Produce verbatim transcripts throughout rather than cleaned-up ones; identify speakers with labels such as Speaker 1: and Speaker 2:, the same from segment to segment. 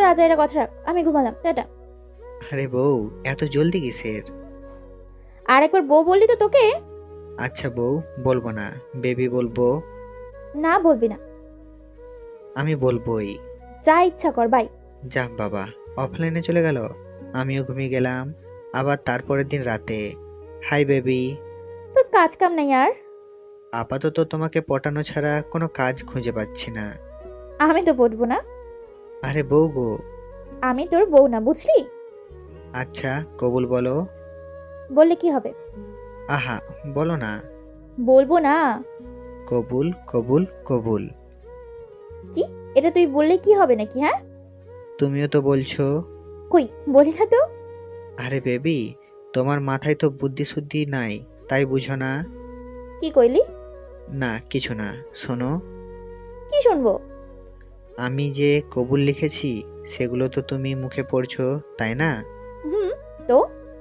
Speaker 1: আজাইরা কথা রাখ, আমি ঘুমালাম, টাটা।
Speaker 2: আরে বউ, এত জলদি কিসের?
Speaker 1: আর একবার বউ বললি তো তোকে।
Speaker 2: আচ্ছা বউ, বলবো না, বেবি বলবো।
Speaker 1: না বলবি না।
Speaker 2: আমি বলবোই।
Speaker 1: যা ইচ্ছা কর, বাই।
Speaker 2: যা বাবা, অফলাইনে চলে গেল। আমিও ঘুমিয়ে গেলাম। আবার তারপরের দিন রাতে, হাই বেবি।
Speaker 1: তোর কাজ কাম নাই আর?
Speaker 2: আপাতত তোমাকে পটানো ছাড়া কোনো কাজ খুঁজে পাচ্ছি না।
Speaker 1: আমি তো বলবো না।
Speaker 2: আরে বউ গো।
Speaker 1: আমি তোর বউ না, বুঝলি?
Speaker 2: আচ্ছা কবুল বলো।
Speaker 1: বললে কি হবে?
Speaker 2: আহা, বলো না।
Speaker 1: বলবো না।
Speaker 2: কবুল কবুল কবুল।
Speaker 1: কি? এটা তুই বললে কি হবে নাকি? হ্যাঁ,
Speaker 2: তুমিও তো বলছো।
Speaker 1: কই বলি না তো।
Speaker 2: আরে বেবি, তোমার মাথায় তো বুদ্ধি শুদ্ধি নাই, তাই বুঝো না।
Speaker 1: কি কইলি?
Speaker 2: না কিছু না, শোনো।
Speaker 1: কি শুনবো?
Speaker 2: আমি যে কবুল লিখেছি সেগুলো তো তুমি মুখে পড়ছো, তাই না?
Speaker 1: হুম। তো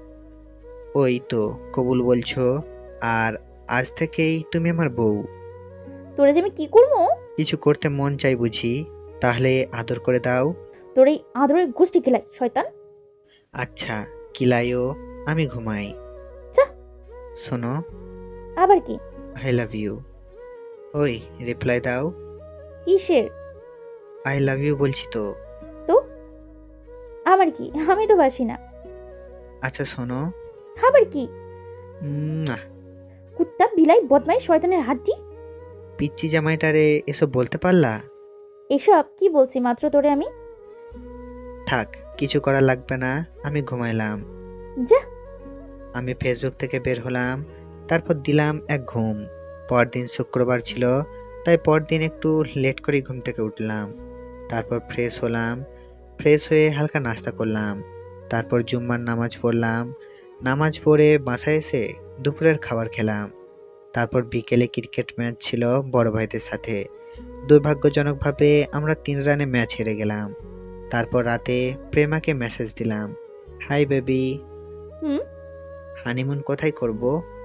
Speaker 2: ওই তো কবুল বলছো। আর আজ থেকেই তুমি আমার বউ।
Speaker 1: তোরে যে আমি কি করবো?
Speaker 2: কিছু করতে মন চাই বুঝি? তাহলে আদর করে দাও।
Speaker 1: তোর এই আদরের গোষ্ঠী গেলাই শয়তান।
Speaker 2: আচ্ছা, কিলাইও, আমি ঘুমাই।
Speaker 1: যা।
Speaker 2: শোনো,
Speaker 1: আবার কি?
Speaker 2: I love you. ওই, রিপ্লাই দাও।
Speaker 1: কিসের?
Speaker 2: আই লাভ ইউ বলছি তো।
Speaker 1: তো আবার কি? আমি তো বাসি না।
Speaker 2: আচ্ছা শোনো।
Speaker 1: আবার কি?
Speaker 2: উম, আহ,
Speaker 1: কুত্তা বিলাই বদমাই শয়তানের হাড্ডি।
Speaker 2: পিচ্চি জামাইটারে এসব বলতে পারলা?
Speaker 1: এসব কি বলছি মাত্র তোরে আমি?
Speaker 2: থাক, কিছু করা লাগবে না, আমি ঘুমাইলাম।
Speaker 1: যা।
Speaker 2: আমি ফেসবুক থেকে বের হলাম, তারপর দিলাম এক ঘুম। পরদিন শুক্রবার ছিল, তাই পরদিন একটু লেট করে ঘুম থেকে উঠলাম। তারপর ফ্রেশ হলাম। ফ্রেশ হয়ে হালকা নাস্তা করলাম। তারপর জুম্মার নামাজ পড়লাম। নামাজ পড়ে বাসায় এসে দুপুরের খাবার খেলাম। তারপর বিকেলে ক্রিকেট ম্যাচ ছিল বড় ভাইদের সাথে। দুর্ভাগ্যজনকভাবে আমরা তিন রানে ম্যাচ হেরে গেলাম। তারপর রাতে প্রেমাকে মেসেজ দিলাম, হাই বেবি।
Speaker 1: হুম।
Speaker 2: হানিমুন কোথায় করব?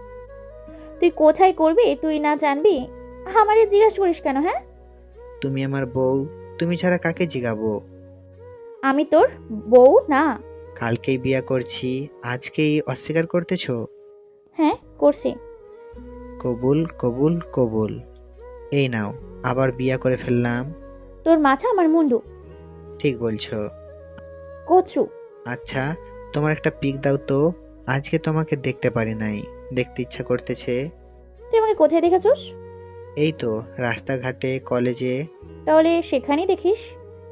Speaker 1: তুই কোথায় করবি তুই না জানবি? আমারে জিজ্ঞাসা করিস কেন? হ্যাঁ,
Speaker 2: তুমি আমার বউ, তুমি ছাড়া কাকে জিগাবো?
Speaker 1: আমি তোর বউ না।
Speaker 2: কালকেই বিয়া করছি, আজকেই অস্বীকার করতেছো?
Speaker 1: হ্যাঁ করছি।
Speaker 2: কবুল কবুল কবুল। এই নাও, আবার বিয়া করে ফেললাম।
Speaker 1: তোর মাথা আমার মুন্ডু।
Speaker 2: ঠিক বলছো।
Speaker 1: কচু।
Speaker 2: আচ্ছা, তোমার একটা পিক দাও তো। আজকে তোমাকে দেখতে পারি নাই, দেখতে ইচ্ছা করতেছে।
Speaker 1: তুই আমাকে কোথায় দেখেছিস?
Speaker 2: এই তো, রাস্তাঘাটে, কলেজে।
Speaker 1: তাহলে সেখানেই দেখিস।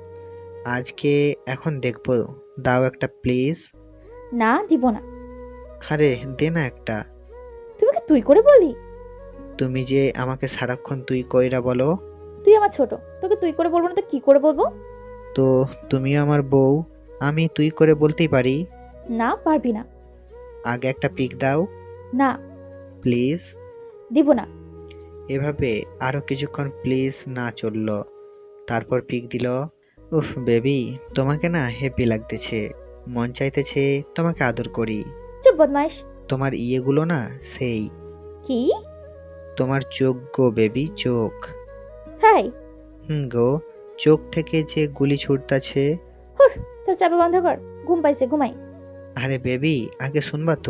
Speaker 2: আজকে এখন দেখবো, দাও একটা প্লিজ।
Speaker 1: না দিব না।
Speaker 2: আরে দে না একটা।
Speaker 1: তুই আমাকে তুই করে বলি?
Speaker 2: তুমি যে আমাকে সারাক্ষণ তুই কইরা বলো।
Speaker 1: তুই আমার ছোট, তোকে তুই করে বলবো না তো কি করে বলবো?
Speaker 2: তো তুমিও আমার বউ, আমি তুই করে বলতেই পারি।
Speaker 1: না পারবি না।
Speaker 2: আগে একটা পিক দাও
Speaker 1: না
Speaker 2: প্লিজ।
Speaker 1: দিব না।
Speaker 2: এভাবে আরো কিছুক্ষণ প্লিজ না চলল। তারপর পিক দিল। উফ বেবি, তোমাকে না হ্যাপি লাগতেছে, মন চাইতেছে তোমাকে আদর করি।
Speaker 1: চুপ বদমাইশ।
Speaker 2: তোমার ইয়েগুলো না সেই।
Speaker 1: কি?
Speaker 2: তোমার চোখ গো বেবি, চোখ।
Speaker 1: তাই?
Speaker 2: হুম গো, চোখ থেকে যে গুলি ছুটতাছে।
Speaker 1: হুর, তোর চাপা বন্ধ কর, ঘুম পাইছে, ঘুমাই।
Speaker 2: আরে বেবি, আগে শুনবা তো।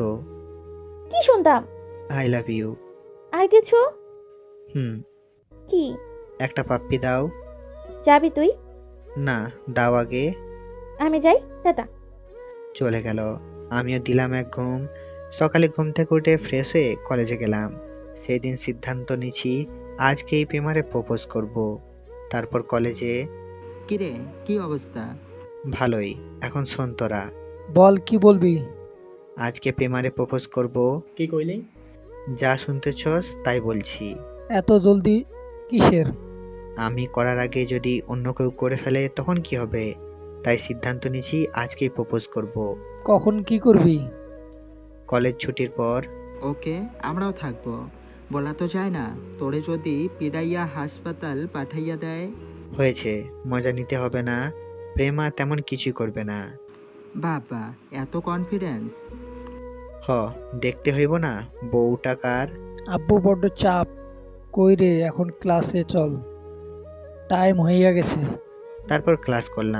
Speaker 1: কি শুনতাম?
Speaker 2: I love you.
Speaker 1: আর কিছু?
Speaker 2: হুম।
Speaker 1: কি?
Speaker 2: একটা পাপ্পি দাও।
Speaker 1: যাবি তুই?
Speaker 2: না, দাও আগে।
Speaker 1: আমি যাই, টাটা।
Speaker 2: চলে গেল। আমিও দিলাম এক ঘুম। সকালে ঘুম থেকে উঠে ফ্রেশ হয়ে কলেজে গেলাম। সেই দিন সিদ্ধান্ত নিছি, আজকে এই প্রেমারে প্রপোজ করব। তারপর কলেজে।
Speaker 3: কিরে, কি অবস্থা?
Speaker 2: ভালোই। এখন শোন তোরা,
Speaker 4: বল কি বলবি?
Speaker 2: আজকে প্রেমারে প্রপোজ করব।
Speaker 5: কি কইলি?
Speaker 2: যা শুনতেছস তাই বলছি।
Speaker 4: এত জলদি কিসের?
Speaker 2: আমি করার আগে যদি অন্য কেউ করে ফেলে তখন কি হবে? তাই সিদ্ধান্ত নিছি আজকেই প্রপোজ করব।
Speaker 4: কখন কি করবি?
Speaker 2: কলেজ ছুটির পর।
Speaker 3: ওকে, আমরাও থাকবো। বলা তো যায় না, তোরে যদি পিড়াইয়া হাসপাতাল পাঠাইয়া দেয়।
Speaker 2: হয়েছে, মজা নিতে হবে না। প্রেমা তেমন কিছুই করবে না।
Speaker 3: বাবা, এত কনফিডেন্স?
Speaker 2: হ, দেখতে হইব না বউটা কার।
Speaker 4: আব্বু বড্ড চাপ। কই রে, এখন ক্লাসে চল, টাইম হইয়া গেছে।
Speaker 2: তারপর ক্লাস করলাম।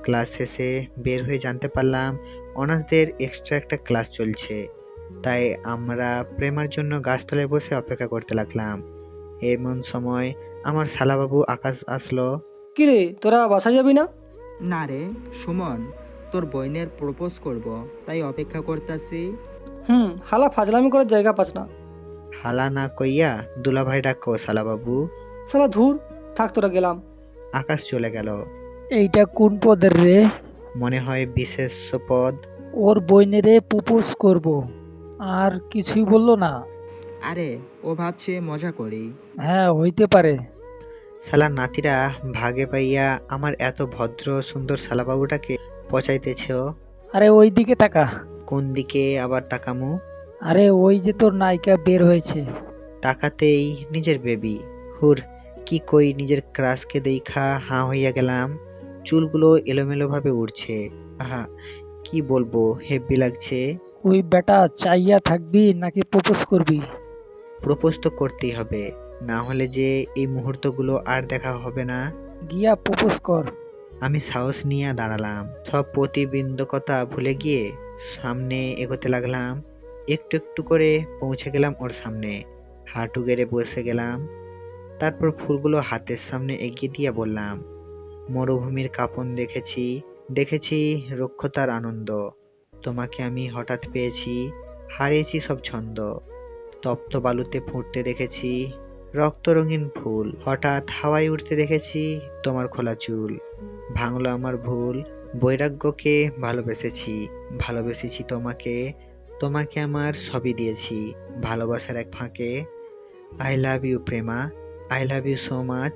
Speaker 2: ক্লাস শেষে বের হয়ে জানতে পারলাম অনার্সদের এক্সট্রা একটা ক্লাস চলছে। তাই আমরা প্রেমার জন্য গাছতলায় বসে অপেক্ষা করতে লাগলাম। এমন সময় আমার শালাবাবু আকাশ আসলো।
Speaker 5: কিরে তোরা বাসা যাবি না?
Speaker 3: না রে সুমন, তোর বোনের প্রপোজ করব, তাই অপেক্ষা করতেছি।
Speaker 5: হুম, হালা ফাজলামি করার জায়গা পাস না।
Speaker 2: হালা না কইয়া দুলাভাই ডাকো শালাবাবু।
Speaker 5: সালা ধুর, থাক তোরা গেলাম।
Speaker 2: আকাশ চলে গেল।
Speaker 4: এইটা কোন পদের রে?
Speaker 2: মনে হয় বিশেষ পদ।
Speaker 4: ওর বইনেরে প্রপোজ করব, আর কিছুই বললো না?
Speaker 3: আরে ও ভাবছে মজা করি।
Speaker 4: হ্যাঁ, হইতে পারে।
Speaker 2: শালা নাতিরা ভাগে পাইয়া আমার এত ভদ্র সুন্দর শালাবাবুটাকে পচাইতেছ।
Speaker 4: আরে ওই দিকে তাকা।
Speaker 2: কোন দিকে আবার তাকামু?
Speaker 4: আরে ওই যে তোর নায়িকা বের হয়েছে।
Speaker 2: তাকাতেই নিজের বেবি। হুর, কি কই, নিজের ক্রাশকে দেখা হাঁ হইয়া গেলাম। চুলগুলো এলোমেলো ভাবে উড়ছে। আহা, কি বলবো, হেব্বি লাগছে।
Speaker 4: ওই বেটা চাইয়া থাকবি নাকি প্রপোজ করবি?
Speaker 2: প্রপোজ তো করতেই হবে, না হলে যে এই মুহূর্তগুলো আর দেখা হবে না।
Speaker 4: গিয়া প্রপোজ কর।
Speaker 2: আমি সাহস নিয়ে দাঁড়ালাম, সব প্রতিবন্ধকতা ভুলে গিয়ে সামনে এগোতে লাগলাম। একটু একটু করে পৌঁছে গেলাম ওর সামনে, হাঁটু গেড়ে বসে গেলাম। তারপর ফুলগুলো হাতের সামনে এগিয়ে দিয়ে বললাম, মরুভূমির কাঁপন দেখেছি, দেখেছি রুক্ষতার আনন্দ। তোমাকে আমি হঠাৎ পেয়েছি, হারিয়েছি সব ছন্দ। তপ্ত বালুতে ফুটতে দেখেছি রক্ত রঙিন ফুল, হঠাৎ হাওয়ায় উঠতে দেখেছি তোমার খোলা চুল। ভাঙলো আমার ভুল, বৈরাগ্যকে ভালোবেসেছি, ভালোবেসেছি তোমাকে, তোমাকে আমার সবই দিয়েছি ভালোবাসার এক ফাঁকে। I love you Prema, I love you so much.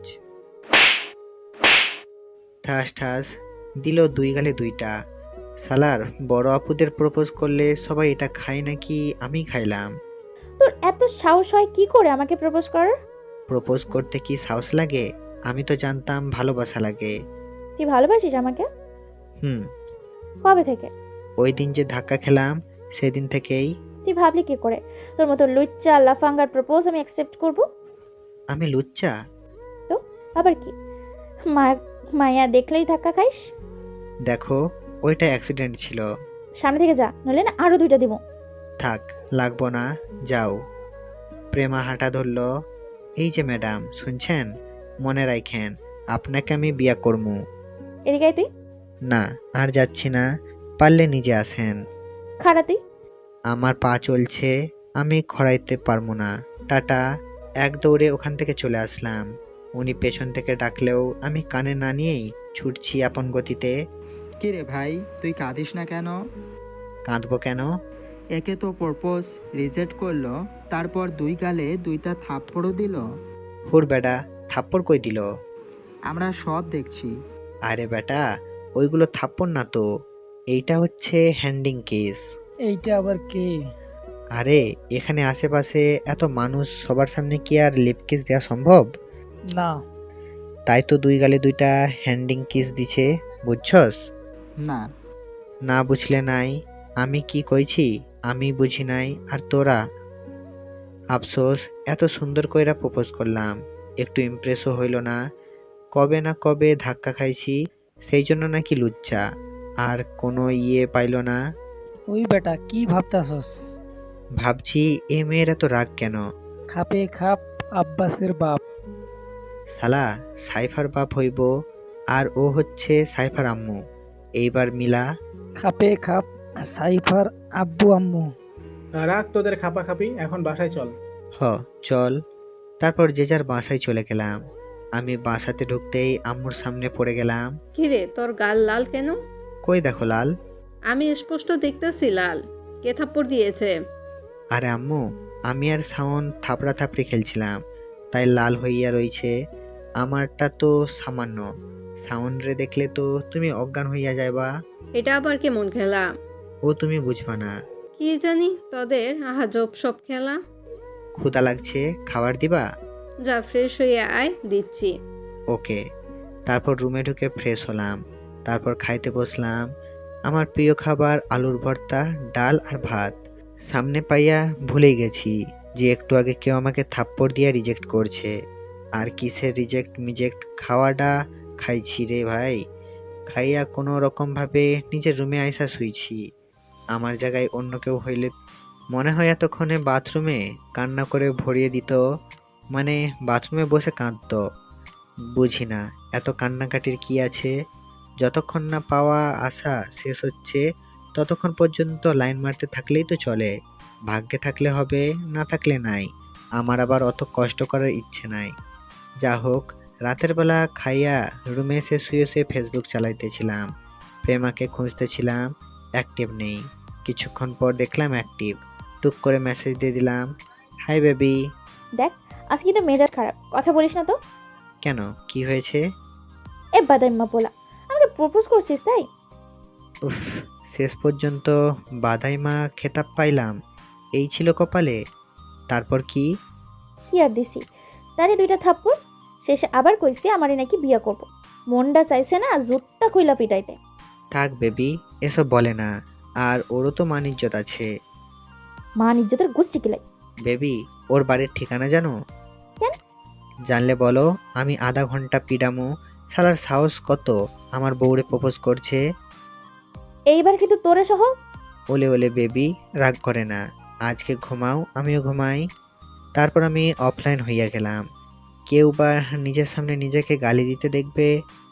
Speaker 2: ঠাস ঠাস দিল দুই গালে দুইটা। সালার বড় আপুদের প্রপোজ করলে সবাই এটা খায় নাকি আমি খাইলাম?
Speaker 1: তোর এত সাহস হয় কি করে আমাকে প্রপোজ করার?
Speaker 2: প্রপোজ করতে কি সাহস লাগে? আমি তো জানতাম ভালোবাসা লাগে।
Speaker 1: তুই ভালোবাসিস আমাকে?
Speaker 2: হুম,
Speaker 1: কবে থেকে?
Speaker 2: ওই দিন যে ধাক্কা খেলাম সেদিন থেকেই।
Speaker 1: তুই ভাবলি কি করে তোর মতো লুচ্চা লাফাঙ্গার প্রপোজ আমি অ্যাকসেপ্ট করব?
Speaker 2: আমি লুচ্চা?
Speaker 1: তো আবার কি, মা- মায়া দেখলেই ধাক্কা খাইস?
Speaker 2: দেখো, ওইটা অ্যাক্সিডেন্ট ছিল।
Speaker 1: সামনে থেকে যা, নইলে না আরো দুইটা দিব।
Speaker 2: থাক, লাগবো না, যাও। প্রেমা হাঁটা ধরলো। এই যে ম্যাডাম, শুনছেন? মনে রাখেন, আপনাকে আমি বিয়া করমু।
Speaker 1: এদিকে আয় তুই।
Speaker 2: না, আর যাচ্ছি না, পারলে নিজে আসেন।
Speaker 1: খাড়া তুই।
Speaker 2: আমার পা চলছে, আমি খড়াইতে পারবো না। টাটা। এক দৌড়ে ওখান থেকে চলে আসলাম। উনি পেছন থেকে ডাকলেও আমি কানে না নিয়েই ছুটছি আপন গতিতে।
Speaker 3: কিরে ভাই, তুই কাঁদিস না কেন?
Speaker 2: কাঁদবো কেন?
Speaker 3: একে তো প্রপোজ রিজেক্ট করলো, তারপর দুই গালে দুইটা থাপ্পড়ও দিল।
Speaker 2: হুর বেটা, থাপ্পড় কই দিল?
Speaker 3: আমরা সব দেখছি।
Speaker 2: আরে বেটা, ওইগুলো থাপ্পড় না তো, এইটা হচ্ছে হ্যান্ডিং কিস।
Speaker 4: এইটা আবার কে?
Speaker 2: আরে এখানে আশেপাশে এত মানুষ, সবার সামনে কি আর লিপ কিস দেওয়া সম্ভব?
Speaker 4: না।
Speaker 2: তাই তো দুই গালে দুইটা হ্যান্ডিং কিস দিছে, বুঝছস?
Speaker 3: না।
Speaker 2: না বুঝলে নাই, আমি কি কইছি আমি বুঝি নাই, আর তোরা? আফসোস, এত সুন্দর কইরা প্রপোজ করলাম, একটু ইমপ্রেসও হইল না। কবে না কবে ধাক্কা খাইছি, সেই জন্য নাকি লুচ্চা, আর কোনো ইয়ে পাইল না।
Speaker 4: ওই বেটা কি ভাবতাছস?
Speaker 2: ভাবছি এ মেয়ের এত রাগ কেন?
Speaker 4: খাপে খাপ আব্বাসের বাপ।
Speaker 2: শালা সাইফার বাপ হইব, আর ও হচ্ছে সাইফার আম্মু। এইবার মিলা।
Speaker 4: খাপে খাপ সাইফার আব্বু আম্মু।
Speaker 6: রাখ তোদের খাপাখাপি, এখন বাসায় চল।
Speaker 2: হ, চল। তারপর যে যার বাসায় চলে গেলাম। আমি বাসাতে ঢুকতেই আম্মুর সামনে পড়ে গেলাম।
Speaker 7: কিরে তোর গাল লাল কেন?
Speaker 2: কই দেখো লাল?
Speaker 7: আমি স্পষ্ট দেখতেছি লাল। কে থাপ্পড় দিয়েছে?
Speaker 2: আরে আম্মু, আমি আর শাওন থাপড়া থাপড়ি খেলছিলাম, তাই লাল হইয়া রইছে। আমারটা তো সামান্য, শাওন রে দেখলে তো তুমি অজ্ঞান হইয়া যাইবা।
Speaker 7: এটা আবার কেমন খেলা?
Speaker 2: ও তুমি বুঝবা না।
Speaker 7: কি জানি তোদের আহাজব সব খেলা।
Speaker 2: ক্ষুধা লাগছে, খাবার দিবা?
Speaker 7: যা ফ্রেশ হয়ে আয়, দিচ্ছি।
Speaker 2: ওকে। তারপর রুমে ঢুকে ফ্রেশ হলাম, তারপর খাইতে বসলাম। আমার প্রিয় খাবার আলুর ভর্তা, ডাল আর ভাত। সামনে পাইয়া ভুলেই গেছি যে একটু আগে কেউ আমাকে থাপ্পড় দিয়া রিজেক্ট করছে। আর কিসের রিজেক্ট মিজেক্ট, খাওয়াটা খাইছি রে ভাই। খাইয়া কোনো রকমভাবে নিজের রুমে আইসা শুইছি। আমার জায়গায় অন্য কেউ হইলে মনে হয় এতক্ষণে বাথরুমে কান্না করে ভরিয়ে দিত, মানে বাথরুমে বসে কাঁদতো। বুঝি না এত কান্নাকাটির কি আছে। যতক্ষণ না পাওয়া আশা শেষ হচ্ছে ততক্ষণ পর্যন্ত লাইন মারতে থাকলেই তো চলে। ভাগ্যে থাকলে হবে, না থাকলে নাই। আমার আবার অত কষ্ট করার ইচ্ছে নাই। যা হোক, রাতের বেলা খাইয়া রুমে এসে শুয়ে শুয়ে ফেসবুক চালাইতেছিলাম। প্রেমাকে খুঁজতেছিলাম, অ্যাক্টিভ নেই। কিছুক্ষণ পর দেখলাম অ্যাক্টিভ। টুক করে মেসেজ দিয়ে দিলাম, হাই বেবি।
Speaker 1: দেখ, আজকে কিন্তু মেজাজ খারাপ, কথা বলিস না তো।
Speaker 2: কেন, কি হয়েছে?
Speaker 1: এ বাদাইম্মা পোলা, আমাকে প্রপোজ করছিস তাই?
Speaker 2: উফ, শেষ পর্যন্ত বাধাইমা খেতাব পাইলাম, এই ছিল কপালে। তারপর কি?
Speaker 1: কি আর দিছি, তারই দুইটা থাপ্পড়। শেষে আবার কইছি আমারই নাকি বিয়া করব। মনটা চাইছে না জুত্তা কইলা পিটাইতে।
Speaker 2: থাক বেবি, এসব বলে না। আর ওরও তো মান ইজ্জত আছে।
Speaker 1: মান ইজ্জতের গোষ্ঠী কিলাই।
Speaker 2: বেবি, ওর বাড়ির ঠিকানা জানো?
Speaker 1: কেন?
Speaker 2: জানলে বলো, আমি আধা ঘন্টা পিডামো। শালার সাহস কত আমার বউরে প্রপোজ করছে।
Speaker 1: এইবার কিন্তু তোরে সহ।
Speaker 2: ওলে ওলে বেবি, রাগ করে না। আজকে ঘুমাও, আমিও ঘুমাই। তারপর আমি অফলাইন হইয়া গেলাম। কেউ বা নিজের সামনে নিজেকে গালি দিতে দেখবে,